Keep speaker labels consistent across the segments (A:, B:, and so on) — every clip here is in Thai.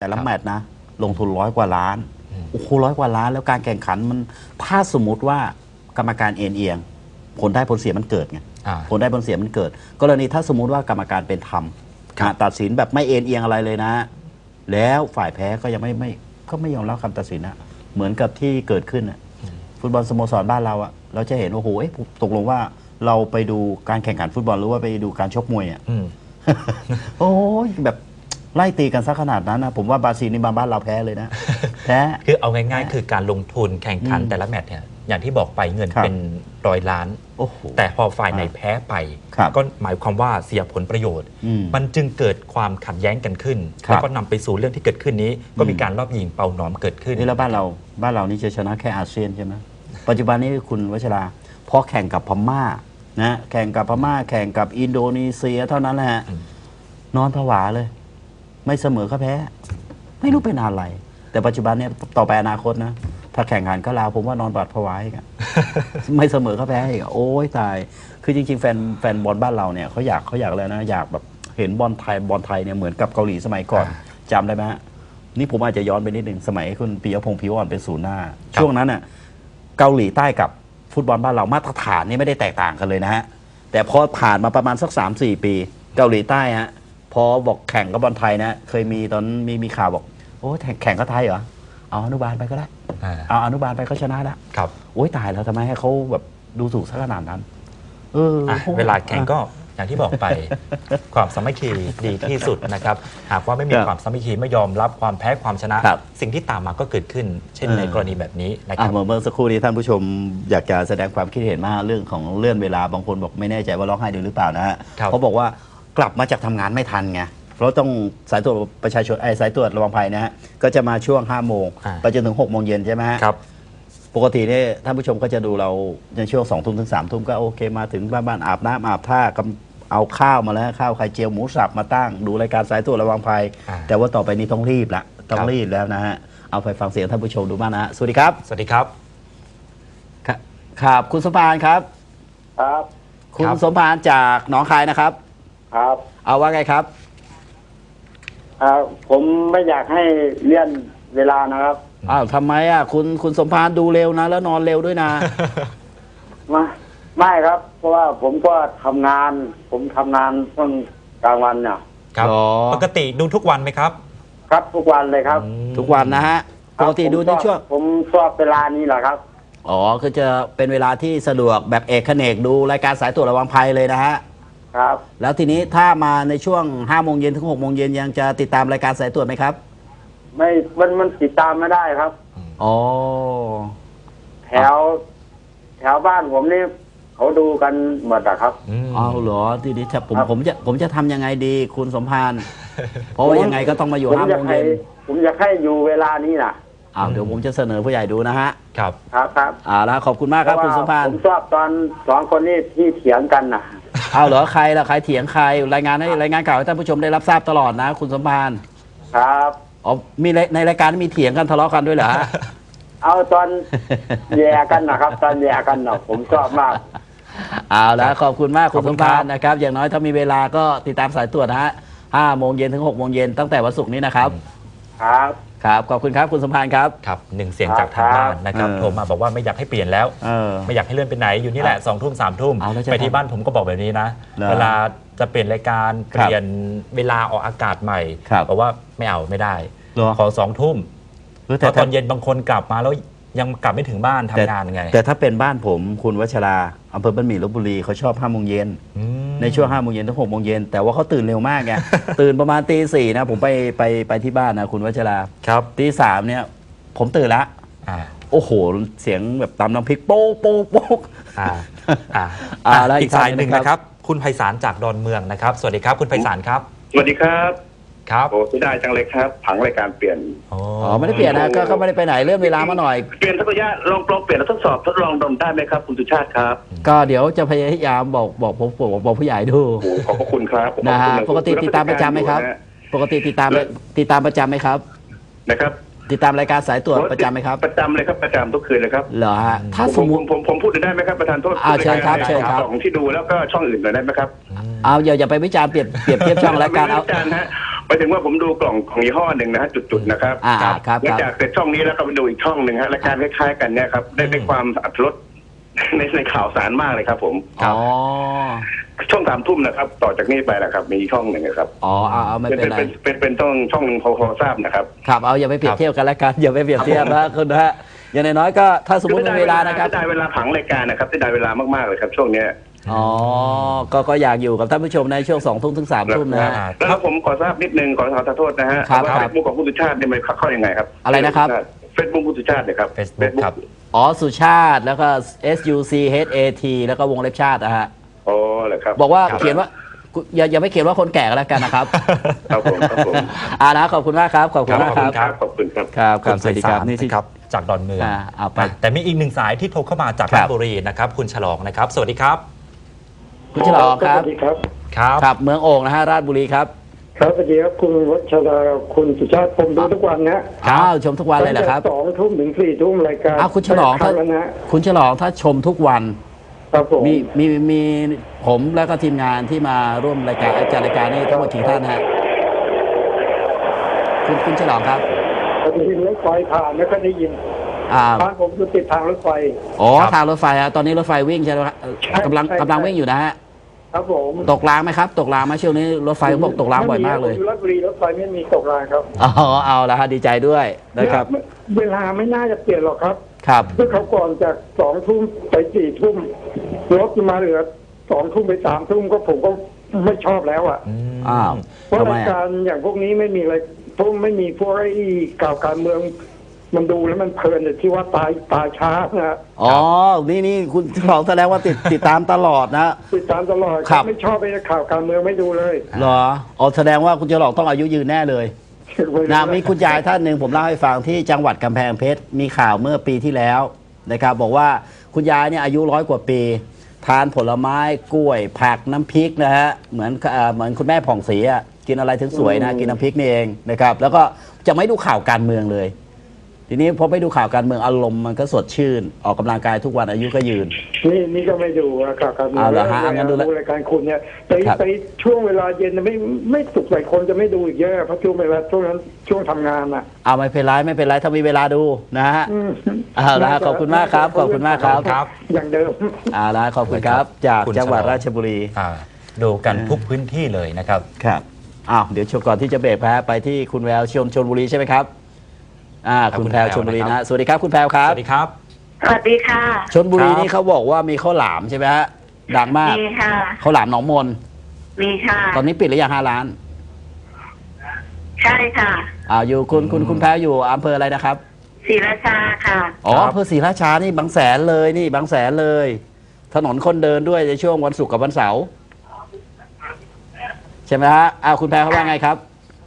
A: แต่ละแมตช์นะลงทุน100 กว่าล้านโอ้โห100 กว่าล้านแล้วการแข่งขันมันถ้าสมมติว่ากรรมการเอียงผลได้ผลเสียมันเกิดไงผลได้ผลเสียมันเกิดกรณีถ้าสมมุติว่ากรรมการเป็นธรรมตัดสินแบบไม่เอียงอะไรเลยนะ แล้วฝ่ายแพ้ก็ยังไม่ยอมรับคำตัดสินนะเหมือนกับที่เกิดขึ้นนะฟุตบอลสโมสรบ้านเราอะเราจะเห็นว่าโอ้โหตกลงว่าเราไปดูการแข่งขันฟุตบอลหรือว่าไปดูการชกมวยอะโอ้ยแบบไล่ตีกันซะขนาดนั้นนะผมว่าบราซิลนี่บ้านเราแพ้เลยนะแพ้
B: คือเอาง่ายๆคือการลงทุนแข่งขันแต่ละแมตช์เนี่ยอย่างที่บอกไปเงินเป็น100 ล้านแต่พอฝ่ายไหนแพ้ไปก็หมายความว่าเสียผลประโยชน์มันจึงเกิดความขัดแย้งกันขึ้นแล้วก็นำไปสู่เรื่องที่เกิดขึ้นนี้ก็มีการรอบยิงเป่าหนอมเกิดขึ้น
A: นี่แล้วบ้านเรานี่จะชนะแค่อาเซียนใช่ไหมปัจจุบันนี้คุณวชราพอแข่งกับพม่านะแข่งกับพม่าแข่งกับอินโดนีเซียเท่านั้นแหละนอนผวาเลยไม่เสมอก็แพ้ไม่รู้เป็นอะไรแต่ปัจจุบันเนี่ยต่อไปอนาคตนะถ้าแข่งขันก็ลาวผมว่านอนบาดผวาอีกไม่เสมอก็แพ้อีกโอ้ยตายคือจริงๆแฟนบอลบ้านเราเนี่ยเขาอยากเลยนะอยากแบบเห็นบอลไทยเนี่ยเหมือนกับเกาหลีสมัยก่อนจำได้ไหมฮะนี่ผมอาจจะย้อนไปนิดหนึ่งสมัยคุณปิยพงษ์ผิวอ่อนเป็นศูนย์หน้าช่วงนั้นน่ะเกาหลีใต้กับฟุตบอลบ้านเรามาตรฐานนี่ไม่ได้แตกต่างกันเลยนะฮะแต่พอผ่านมาประมาณสัก 3-4 ปีเกาหลีใต้ฮะพอบอกแข่งกับบอลไทยนะเคยมีตอนมีข่าวบอกโอ้แข่งกับไทยเหรอเอาอนุบาลไปก็ได้เอาอนุบาลไปก็ชนะแล้ว
B: ครับ
A: โอ้ยตายแล้วทำไมให้เขาแบบดูถูกซะขนาดนั้น
B: เวลาแข่งก็อย่างที่บอกไป ความสามัคคีดีที่สุดนะครับหากว่าไม่มีความสามัคคีไม่ยอมรับความแพ้ความชนะสิ่งที่ตามมาก็เกิดขึ้นเช่นในกรณีแบบนี้นะครับ
A: เมื่อสักครู่นี้ท่านผู้ชมอยากจะแสดงความคิดเห็นมากเรื่องของเลื่อนเวลาบางคนบอกไม่แน่ใจว่าร้องไห้ดูหรือเปล่านะฮะเขาบอกว่ากลับมาจากทำงานไม่ทันไงเพราะต้องสายตรวจประชาชนสายตรวจระวังภัยนะฮะก็จะมาช่วง5 โมงไปจนถึง6 โมงเย็นใช่ไหมฮะ
B: ครับ
A: ปกติเนี่ยท่านผู้ชมก็จะดูเราในช่วง2 ทุ่มถึง3 ทุ่มก็โอเคมาถึงบ้านอาบน้ำอาบท่าเอาข้าวมาแล้วข้าวไข่เจียวหมูสับมาตั้งดูรายการสายตรวจระวังภัยแต่ว่าต่อไปนี้ต้องรีบแล้วนะฮะเอาไปฟังเสียงท่านผู้ชมดูบ้างนะฮะสวัสดีครับ
B: สวัสดีครับ
A: ครับคุณสมภารครับ
C: ครับ
A: คุณสมภารจากหนองคายนะครับ
C: ครับ
A: เอาว่าไงครับ
C: ผมไม่อยากให้เลื่อนเวลานะครับ
A: อ้าวทำไมอ่ะคุณสมภารดูเร็วนะแล้วนอนเร็วด้วยนะ
C: ไม่ครับเพราะว่าผมก็ทำงานช่วงกลางวันเนี่ย
B: ครับปกติดูทุกวันไหมครับ
C: ครับทุกวันเลยครับ
A: ทุกวันนะฮะปกติดูในช่วง
C: ผมชอบเวลานี้แหละครับ
A: อ๋อคือจะเป็นเวลาที่สะดวกแบบเอกเขนกดูรายการสายตรวจระวังภัยเลยนะฮะ
C: ครับ
A: แล้วทีนี้ถ้ามาในช่วง5 โมงเย็นถึง6 โมงเย็นยังจะติดตามรายการสายตรวจไหมครับ
C: ไม่มันติดตามไม่ได้ครับ
A: อ๋อ
C: แถวบ้านผมนี่เขาดูกันหมดอะครับ
A: เอาเหรอทีนี้ผมจะทำยังไงดีคุณสมภารเพราะว่ายังไงก็ต้องมาอยู่5 โมงเย็น
C: ผมอยากให้อยู่เวลานี้นะ
A: เดี๋ยวผมจะเสนอผู้ใหญ่ดูนะฮะ
B: ครับ
A: แล้วขอบคุณมากครับคุณสมภาร
C: ผมชอบตอน2 คนนี้ที่เถียงกันนะ
A: เอาเหรอใครล่ะใครเถียงใครรายงานข่าวให้ท่านผู้ชมได้รับทราบตลอดนะคุณสมภาร
C: ครับ
A: มีในรายการมีเถียงกันทะเลาะกันด้วยเหรอ
C: เอาตอนแย่กันนะครับตอนแย่กันเนาะผมชอบมาก
A: เอาแล้วขอบคุณมากคุณสมภารนะครับอย่างน้อยถ้ามีเวลาก็ติดตามสายตรวจนะฮะ5 โมงเย็นถึง6 โมงเย็นตั้งแต่วันศุกร์นี้นะครับครับขอบคุณครับคุณสมภารครับ
B: ครับ1 เสียงจากทางบ้านนะครับโทรมาบอกว่าไม่อยากให้เปลี่ยนแล้วไม่อยากให้เลื่อนไปไหนอยู่นี่แหละ2 ทุ่ม3 ทุ่มไปที่บ้านผมก็บอกแบบนี้นะเวลาจะเปลี่ยนรายการเปลี่ยนเวลาออกอากาศใหม่บอกว่าไม่ได้ขอ2 ทุ่มเพราะตอนเย็นบางคนกลับมาแล้วยังกลับไม่ถึงบ้านทำงานไง
A: แต่ถ้าเป็นบ้านผมคุณวชราอำเภอบ้านหมี่ลพบุรีเขาชอบ5 โมงเย็นในช่วง5 โมงเย็นถึง6 โมงเย็นแต่ว่าเขาตื่นเร็วมากไงตื่นประมาณตี 4นะผมไปที่บ้านนะคุณวชรา
B: ครับ
A: ตี 3เนี่ยผมตื่นละโอ้โหเสียงแบบตำน้ำพริกโป๊กโป๊กโป๊ก
B: แล้วอีกสายหนึ่งนะครับคุณไพศาลจากดอนเมืองนะครับสวัสดีครับคุณไพศาลครับ
D: สวัสดีครับ
B: ครับ
D: โอ้สุดได้จังเลยครับผังรายการเปลี่ยน
A: ไม่ได้เปลี่ยนนะก็ไม่ได้ไปไหนเลื่อนเวลามาหน่อย
D: เปลี่ยนทักระยะลองเปลี่ยนแล้วทดลองดมได้ไหมครับคุณสุชาติครับ
A: ก็เดี๋ยวจะพยายามบอกผู้ใหญ่ดู
D: ขอบคุณครับ
A: นะฮะปกติติดตามประจำไหมครับปกติติดตามประจำไหมครับ
D: นะครับ
A: ติดตามรายการสายตรวจประจำไหมครับ
D: ประจำเลยครับประจำทุกคืนเลยครับ
A: เหรอฮะถ้าสมมติ
D: ผมพูดได้ไหมครับประธานโทษ
A: เชิญครับ
D: ของที่ดูแล้วก็ช่องอื่นหน่อยได้ไหมครับ
A: อย่าไปวิจารณ์เปรียบเทียบช่องรายการเอา
D: ปไปถึงว่าผมดูกล่องของยี่ห้อหนึ่งนะฮะจุดๆนะครับ
A: ครับ
D: หลังจากเสร็จช่องนี้แล้วก็ไปดูอีกช่องหนึ่งฮะรายการคล้ายๆกันเนี่ยครับได้ความอรรถรสในข่าวสารมากเลยครับผม
A: อ๋อ
D: ช่อง3 ทุ่มนะครับต่อจากนี้ไปนะครับมีช่องหนึ่งนะครับ
A: อ๋อเอาไม่เป็นไร
D: เป็นช่องหนึ่งพอทราบนะครับ
A: ครับเอาอย่าไปเปรียบเทียบกันแล้วกันอย่าไปเปรียบเทียบนะคุณนะฮะอย่างน้อยๆก็ถ้าสมมติมีเวลานะครับ
D: ได้เวลาผังรายการนะครับได้เวลามากๆเลยครับช่วงเนี้ย
A: อ๋อก็อยากอยู่กับท่านผู้ชมในช่วง2 ทุ่มถึง3 ทุ่มนะฮะ
D: แล้วผมขอทราบนิดนึงขอโทษนะฮะ
A: ครับ
D: ว่าเฟซบุ๊กของคุณสุชาติเนี่ยมันเข้ายังไงครับ
A: อะไรนะครับ
D: เฟซบุ๊กคุณสุชาติเนี่ยครับ
B: Facebook ครับ
A: อ๋อสุชาติแล้วก็ SUCHAT แล้วก็วงเล็บชาตินะฮะ
D: อ๋อเหรอครับ
A: บอกว่าเขียนว่าอย่าไม่เขียนว่าคนแก่ก็แล้วกันนะครับ
D: ครับผม
A: นะขอบคุณมากครับขอบคุณมากครับ
D: ขอบคุณครับ
A: ครับสวัสดีครับนี่ที่
B: ครับจากดอนเมือง
A: เอาไป
B: แต่มีอีกหนึ่งสายที่โทรเข้ามาจาก
A: ครั
B: รา
A: บ
B: ชบุรีนะครับคุณฉลองนะครับ สวัสดีครับ
A: คุณฉลองครับ
E: สวัสดีครับ
B: ครับ
A: ครับเมืองโอ่งนะฮะราชบุรีครับ
E: ครับสวัสดีครับคุณวัชราคุณสุชาติผมดูทุกวันนะ
A: ชมทุกวันเลยเหรอครับ
E: ตั้งแต่2 ทุ่มถึง4 ทุ่มรายการ
A: คุณฉลอง
E: เข้าแล้วนะ
A: คุณฉลองถ้าชมทุกวัน
E: ครับผม
A: มีผมแล้วก็ทีมงานที่มาร่วมรายการจัดรายการนี้ทั้งหมดกี่ท่านฮะคุณฉลองครับ
E: ปฏิทินรถไฟผ่านไม่ค่อยได้ยิน
A: อ่า
E: บ้านผมอยู่ติดทางรถไฟ
A: อ๋อ
B: ครับ
A: ทางรถไฟฮะตอนนี้รถไฟวิ่งใช่ไหมครับ
E: ใช่
A: กำลัง
E: ใช่
A: กำลังวิ่งอยู่นะฮะ
E: ครับผม
A: ตกรางไหมครับ ตกรางไหมช่วงนี้รถไฟเขาบอกตกรางบ่อยมากเลย
E: อยู่ราชบุรีรถไฟไม่มีตกรางครับ
A: อ๋อเอาละฮะดีใจด้วยนะครับ
E: เวลาไม่น่าจะเปลี่ยนหรอกครับ
A: ครับ
E: เมื่อเขาก่อนจาก2 ทุ่มไป4 ทุ่มรถมาเหลือ2 ทุ่มไป3 ทุ่มก็ผมก็ไม่ชอบแล้วอ่ะ
A: อ้าว
E: เพราะ
A: ทำไม
E: ราย
A: อ่ะ
E: การอย่างพวกนี้ไม่มีอะไรพวกไม่มีพวกไอ้ข่าวการเมือง มันดูแล้วมันเพลินแต่ที่ว่าตายช้านะ
A: อ๋อนี่คุณฉลองแสดงว่าติดตามตลอดนะ
E: ติดตามตลอด
A: ครับ
E: ไม่ชอบไอ้ข่าวการเมืองไม่ดูเลย
A: เหรออ๋อแสดงว่าคุณฉลองต้องอายุยืนแน่เลยนะมีคุณยายท่านหนึ่งผมเล่าให้ฟังที่จังหวัดกำแพงเพชรมีข่าวเมื่อปีที่แล้วนะครับบอกว่าคุณยายเนี่ยอายุ100 กว่าปี ทานผลไม้กล้วยผักน้ำพริกนะฮะเหมือนคุณแม่ผ่องศรีอ่ะกินอะไรถึงสวยนะกินน้ำพริกนี่เองนะครับแล้วก็จะไม่ดูข่าวการเมืองเลย ทีนี้พอไม่ดูข่าวการเมืองอารมณ์มันก็สดชื่น ออกกำลังกายทุกวันอายุก็ยืน
E: นี่ก็ไม่ดูข่าวการเมือง
A: เอาเหรอฮะงั้นดู
E: รายการคุณเนี่ยไป
A: ครับ
E: ไปช่วงเวลาเย็นน่ะไม่สุขหลายคนจะไม่ดูอีกเยอะเพราะช่วงเวลาช่วงนั้นช่วงทำงานอ่ะ
A: เอาไม่เป็นไรถ้ามีเวลาดูนะฮะ
E: อืม
A: เอาละขอบคุณมากครับขอบคุณมากครับ
B: ครับ
E: อย่างเดิม
A: เอาละขอบคุณครับ จาก
B: คุณ
A: จังหวัด
B: ฉลอง
A: ราชบุรี
B: ดูกันทุกพื้นที่เลยนะครับ
A: ครับอ้าวเดี๋ยวชมก่อนที่จะเบรกไปที่คุณแววชลบุรีใช่ไหมครับคุณแพรวชลบุรีนะสวัสดีครับคุณแพรวครั
B: ส
A: บ
B: วัสดีครับ
F: สวัสดีค่ะ
A: ชลบุรี
B: ครับ
A: นี่เขาบอกว่ามีข้าวหลามใช่ไหมฮะดังมาก
F: มีค่ะ
A: ข้าวหลามหนองมน
F: มีค่ะ
A: ตอนนี้ปิดหรือยัง5 ร้าน
F: ใช่ค่ะ
A: อยู่คุณแพรวอยู่อำเภออะไรนะครับ
F: ศรีราชาค่ะ
A: อ๋อ
B: ครับ
A: อำเภอศรีราชานี่บางแสนเลยนี่บางแสนเลย ถนนคนเดินด้วยในช่วงวันศุกร์กับวันเสาร์ใช่ไหมฮะคุณแพรเขาว่าไงครับ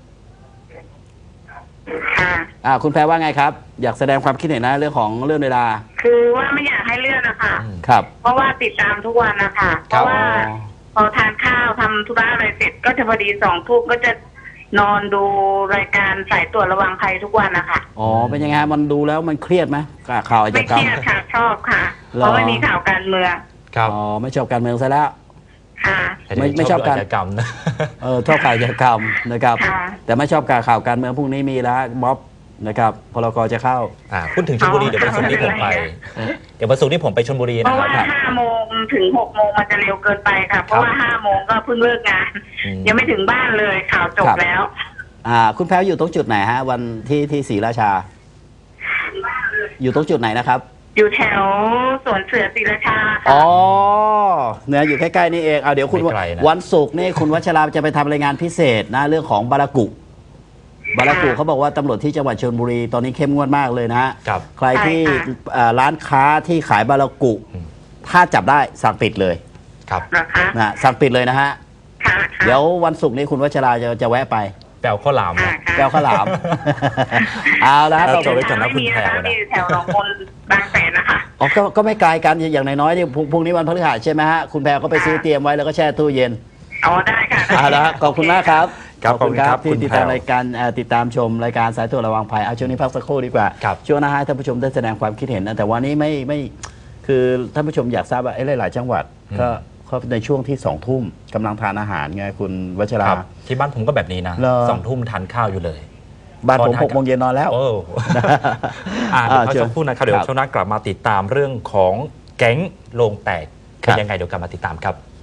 F: ค่ะ
A: คุณแพรว่าไงครับ อยากแสดงความคิดเห็นนะเรื่องของเรื่องเวลา
F: คือว่าไม่อยากให้เลื่อนนะคะ
A: ครับ
F: เพราะว่าติดตามทุกวันนะคะเพ
B: ครับ
F: ราะว่าพอทานข้าวทำธุระอะไรเสร็จ ก็จะพอดี2 ทุ่มก็จะนอนดูรายการสายตรวจระวังภัยทุกวันนะคะ
A: อ๋อเป็นยังไงฮะมันดูแล้วมันเครียดไหมข่าวอาช
F: ไม่
A: ญาก
F: เค
A: รรม
F: รียดค่ะชอบค่ะ
A: เหรอ
F: เพราะไม่มีข่าวการเมือง
B: ครับ
A: อ๋อไม่ชอบการเมืองซะแล้ว
F: ค่ะ
A: ไม่ชอบการ
B: จกรรมนะ
A: ชอบข่าวอาชญากรรมนะครับ
F: ค่ะ
A: แต่ไม่ชอบข่าวการเมืองพรุ่งนี้มีแล้วม็อบนะครับพลกจะเข้า
B: พูดถึงชลบุรีเดี๋ยววันศุกร์นี้ผมไป เดี๋ยววันศุกร์นี้ผมไปชลบุรี
F: เพ
B: นะ
F: ราะ
B: ค
F: ว่า
B: รับ
F: 5 โมงถึง 6 โมงมันจะเร็วเกินไปค่ะ เพราะว่า 5 โมงก็เพิ่งเลิกงาน
B: อืม
F: ยังไม่ถึงบ้านเลยข่าวจบ
A: ครับ
F: แล้ว
A: คุณแพรวอยู่ตรงจุดไหนฮะวันที่ศรีราชา อยู่ตรงจุดไหนนะครับ
F: อยู่แถวสวนเสือศรีราชา
A: อ๋
F: ค่ะ
A: อเนี่ยอยู่ใกล้ๆนี่เองเดี๋ยวคุณ
B: ไม่ไกลนะ
A: วันศุกร์นี่คุณวัชราจะไปทำรายงานพิเศษนะเรื่องของบารากุเขาบอกว่าตำรวจที่จังหวัดชลบุรีตอนนี้เข้มงวดมากเลยนะฮะ
B: ครับ
A: ใครที่ร้านค้าที่ขายบารากุ
B: อืม
A: ถ้าจับได้สั่งปิดเลย
B: ครับ
F: นะคะ
A: นะสั่งปิดเลยนะฮะ
F: ค่ะค่ะ
A: เดี๋ยววันศุกร์นี้คุณวัชราจะแวะไป
B: แปลข้าวหลาม
F: ค่ะ
B: นะ
F: ค่ะ
A: แก้วข้าวหลาม เอาละ
B: ครับ
A: ขอบ
B: จบ
A: คุณ
B: ไว้ก่อนนะ
F: ไม่มีนะคะมีแถวหนองมนบางแสนนะคะ
A: อ๋อก็ไม่ไกลกันอย่างน้อยๆนี่พรุ่งนี้วันพฤหัสใช่ไหมฮะคุณแพรก็ไปซื้อเตรียมไว้แล้วก็แช่ตู้เย็น
F: อ๋อได้ค่ะ
A: เอาละขอบคุณมากครับ
B: ครับขอบคุณครับ
A: ที่
B: คุณ
A: ติด
B: แพร
A: ตาม
B: ว
A: รายการติดตามชมรายการสายตรวจระวังภัยเอาช่วงนี้พักสักครู่ดีกว่า
B: ครับ
A: ช่วงหน้าให้ท่านผู้ชมได้แสดงความคิดเห็นนะแต่วันนี้ไม่คือท่านผู้ชมอยากทราบว่าหลายๆจังหวัดก็เขาในช่วงที่2 ทุ่มกำลังทานอาหารไงคุณวัชรา
B: ครับที่บ้านผมก็แบบนี้นะ
A: เหรอ
B: 2 ทุ่มทานข้าวอยู่เลย
A: บ้านผม
B: พอทาน
A: 6 โมงเย็นนอนแล้ว
B: โอ้ เดี๋ยวพักสักครู่นะครับเดี๋ยวช่วงหน้ากลับมาติดตามเรื่องของแก๊งโลงแตกเป็นยังไงเดี๋ยวกลับมาติดตามครับ